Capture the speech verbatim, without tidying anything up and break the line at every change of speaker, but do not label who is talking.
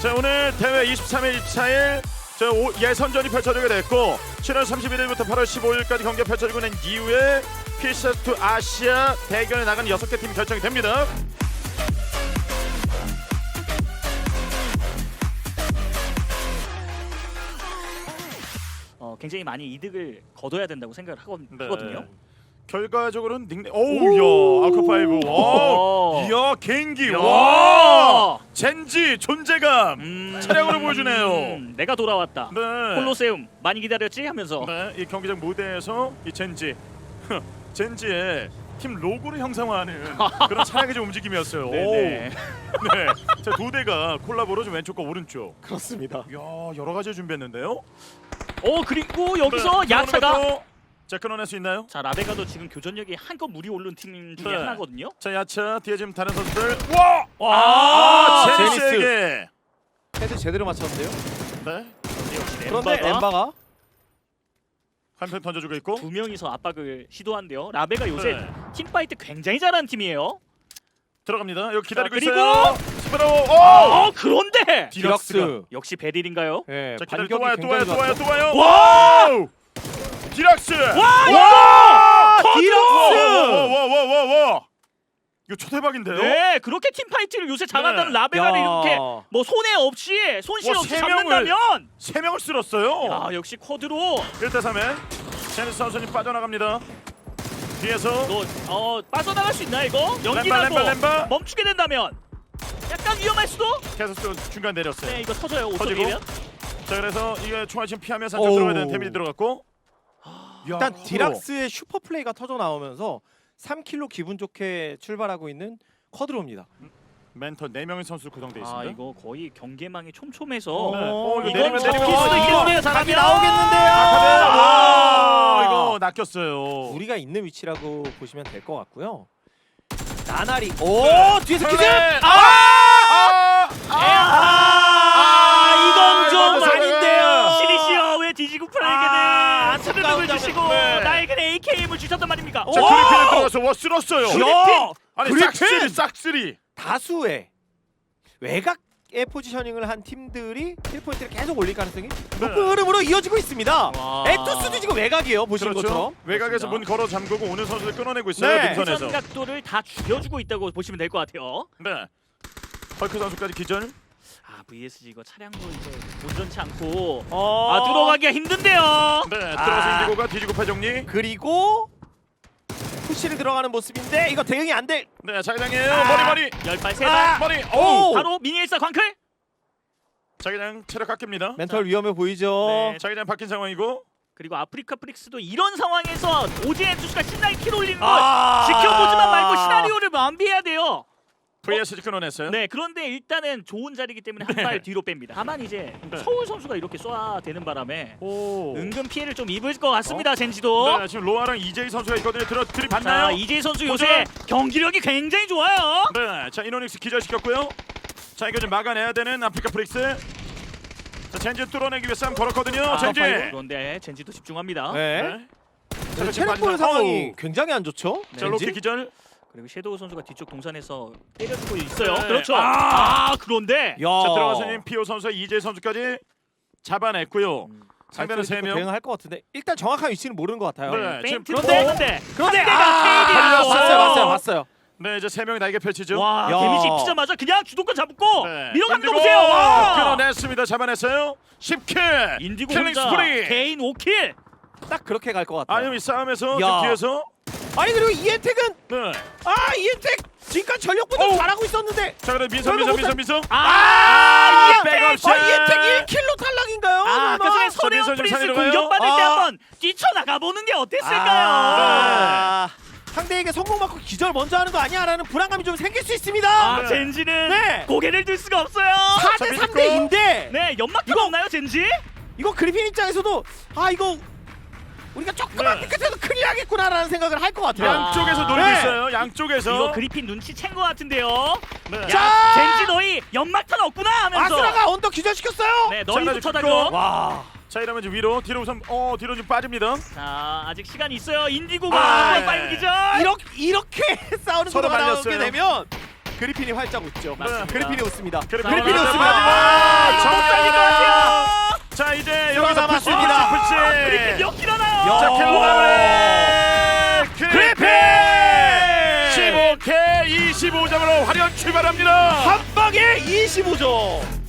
자, 오늘 대회 이십삼 일, 이십사 일 저 오, 예선전이 펼쳐지게 됐고 칠월 삼십일일부터 팔월 십오일까지 경기가 펼쳐지고 난 이후에 피씨에스2 아시아 대결에 나가는 여섯 개 팀이 결정이 됩니다.
어, 굉장히 많이 이득을 거둬야 된다고 생각을 하거든,
네.
하거든요.
결과적으로는 닉네임 오우야 아크파이브 와 이야 개인기 와 젠지 존재감
음,
차량으로 보여주네요.
음, 내가 돌아왔다.
네.
콜로세움 많이 기다렸지 하면서.
네, 이 경기장 무대에서 이 젠지 젠지의 팀 로고를 형상화하는 그런 차량의 좀 움직임이었어요.
네네.
오우. 네, 자, 두 대가 콜라보로 좀 왼쪽과 오른쪽.
그렇습니다.
이야 여러 가지 준비했는데요.
어 그리고 여기서
네,
야차가
자 끊어낼 수 있나요?
자 라베가도 지금 교전력이 한껏 물이 오른 팀 중에
네.
하나거든요.
자 야차 뒤에 지금 다른 선수들 와!
와,
아,
제니스.
제니스에게
헤드 제대로 맞췄는데요.
네,
역시
그런데
엠바가
엠바가
한편 던져주고 있고
두 명이서 압박을 시도한대요. 라베가 요새
네.
팀파이트 굉장히 잘하는 팀이에요.
들어갑니다. 여기 기다리고
자, 그리고-
있어요. 스프라우 오!
어 그런데
디럭스.
역시 베릴인가요?
예,
자 기다려 또
반격이
와요 또 와요
굉장히
또 와요
좋았죠.
또 와요.
와!
디락스.
와,
와!
디럭스!
와와와와와 이거 초대박인데요?
네 그렇게 팀파이트를 요새 잘한다는
네.
라베가를
야.
이렇게 뭐 손해 없이 손실
와,
없이
세 명을-
잡는다면
세 명을 쓸었어요.
야 역시 쿼드로
일 대 삼에 제니스 선수님 빠져나갑니다. 뒤에서
너 어 빠져나갈 수 있나 이거?
램바
연기라도
램바 램바
멈추게 된다면 약간 위험할 수도?
계속 또 중간 내렸어요.
네 이거 터져요
터지고.
오토리면.
자 그래서 이게 총알 지금 피하면서 안쪽
오우.
들어가야 되는 데미지 들어갔고
일단 디락스의 슈퍼 플레이가 터져 나오면서 삼 킬로 기분 좋게 출발하고 있는 쿼드로입니다.
멘tor 네 명의 선수 구성돼 있습니다.
아 이거 거의 경계망이 촘촘해서
네.
어,
이거
이거
내리면
잡힐
내리면
수도
어,
있겠네요
각이
사람이
나오겠는데요.
아카데 와
아.
이거 낚였어요.
우리가 있는 위치라고 보시면 될 것 같고요. 나날이 오
네.
뒤에서 키즈.
네.
아!
아!
아, 이건 좀
이건
아닌데요. 시리시어 왜 디지구 프라에게는
아,
스르륵을
아까운
주시고
네.
나에게는 에이케이엠을 주셨단 말입니까?
자
오!
그리핀 들어가서 와 쓸었어요.
야!
아니
그리핀!
싹쓸이 싹쓸이.
다수의 외곽의 포지셔닝을 한 팀들이 킬 포인트를 계속 올릴 가능성이 높은 흐름으로 이어지고 있습니다.
와.
에투스도 지금 외곽이에요. 보시는
그렇죠.
것처럼.
외곽에서
그렇습니다.
문 걸어 잠그고 오는 선수들 끊어내고 있어요.
네.
능선에서.
회전 각도를 다 줄여주고 있다고 보시면 될 것 같아요.
네. 헐크 선수까지 기절.
아 브이에스지 이거 차량도 이제 온전치 않고
어...
아 들어가기가 힘든데요.
네. 들어가서
아.
인디고가 뒤지고 파정리.
그리고 푸시를 들어가는 모습인데 이거 대응이 안 될.
네. 자기장이에요.
아.
머리 머리.
열발
아.
세발
머리.
오!
오.
바로 미니엘사 광클.
자기장 체력 깎입니다.
멘털 위험해 보이죠.
네.
자기장 바뀐 상황이고.
그리고 아프리카 프릭스도 이런 상황에서 오지엔 투수가 신나게 킬 올리는 걸
아.
지켜보지만 말고 시나리오를 완비해야 돼요.
브이에스지 끊어냈어요.
네, 그런데 일단은 좋은 자리이기 때문에 한 발 뒤로 뺍니다. 다만 이제
네.
서울 선수가 이렇게 쏴대는 바람에
오.
은근 피해를 좀 입을 것 같습니다. 젠지도.
네. 지금 로아랑 이제이 선수가 있거든요. 들어
자,
들이받나요?
이재희 선수
보죠.
요새 경기력이 굉장히 좋아요.
네. 자 이노닉스 기절시켰고요. 자 이거 좀 막아내야 되는 아프리카 프릭스. 자 젠지 뚫어내기 위해 싸움 걸었거든요.
아,
젠지.
그런데 젠지도 집중합니다.
네.
네.
자,
지금
체력
빠지면-
보는 상황이
어우.
굉장히 안 좋죠.
네.
자 로키 기절.
그리고 섀도우 선수가 뒤쪽 동산에서 때려주고 있어요.
네.
그렇죠.
아.
아, 그런데
야.
자 들어가서 피오 선수와 이재희 선수까지 잡아냈고요.
음.
상대는 세 명.
대응할 것 같은데 일단 정확한 위치는 모르는 것 같아요.
네. 지금
페인트
그런데-
그런데
그런데
상대가
아,
케이디라서.
봤어요, 봤어요, 봤어요.
네 이제 세 명이 날개 펼치죠.
와,
야.
데미지 입히자마자 그냥 주도권 잡고
네.
밀어가는 거
인디고
보세요. 와.
끊어냈습니다. 잡아냈어요. 십 킬.
인디고
킬링
혼자
스프리.
개인 오 킬.
딱 그렇게 갈 것 같아요.
아니면 이 싸움에서
야.
저 뒤에서
아니 그리고 이엔텍은
네.
아 이엔텍 지금까지 전력보다
어우.
잘하고 있었는데
자 그럼 민서
그러면
민서
못
민서 민서.
아, 이엔텍!
백업
아 이엔텍 일 킬로 탈락인가요?
아, 아까 전에
자,
서대원
민서 좀
프린스
살리러 가요?
공격받을 때
아.
한번 뛰쳐나가 보는 게 어땠을까요?
아, 상대에게 성공받고 기절 먼저 하는 거 아니야라는 불안감이 좀 생길 수 있습니다.
아,
네.
젠지는
네.
고개를 들 수가 없어요.
사 대 삼 대인데
네, 연막탄 없나요, 젠지?
이거 그리핀 입장에서도 아 이거 우리가 조금만
네.
삐끗해도 큰일 나겠구나라는 생각을 할 것 같아요.
야.
양쪽에서 노리고
네.
있어요. 양쪽에서.
이거 그리핀 눈치 챈 것 같은데요.
네.
야,
자!
젠지 너희 연막탄 없구나 하면서.
아스라가 언더 기절시켰어요.
네,
자,
너희부터
자,
다고.
와.
자 이러면 이제 위로 뒤로 우선 어 뒤로 좀 빠집니다.
자, 아직 시간이 있어요. 인디고가
아,
한번
네.
빨리 기절.
이렇게 이렇게 싸우는
서로
구도가 나오게
말렸어요.
되면 그리핀이 활짝 웃죠.
맞습니다.
그리핀이 웃습니다.
그래,
자,
그리핀이
자,
웃습니다.
아,
자,
못 살릴 것 같아요.
자 이제
들어
여기서
남았습니다.
푸시
아,
푸시
그리핀
푸시.
역 일어나요.
야.
자 킬로 마무리.
그리핀!
십오 개 이십오 점으로 화려한 출발합니다.
한 방에 이십오 점.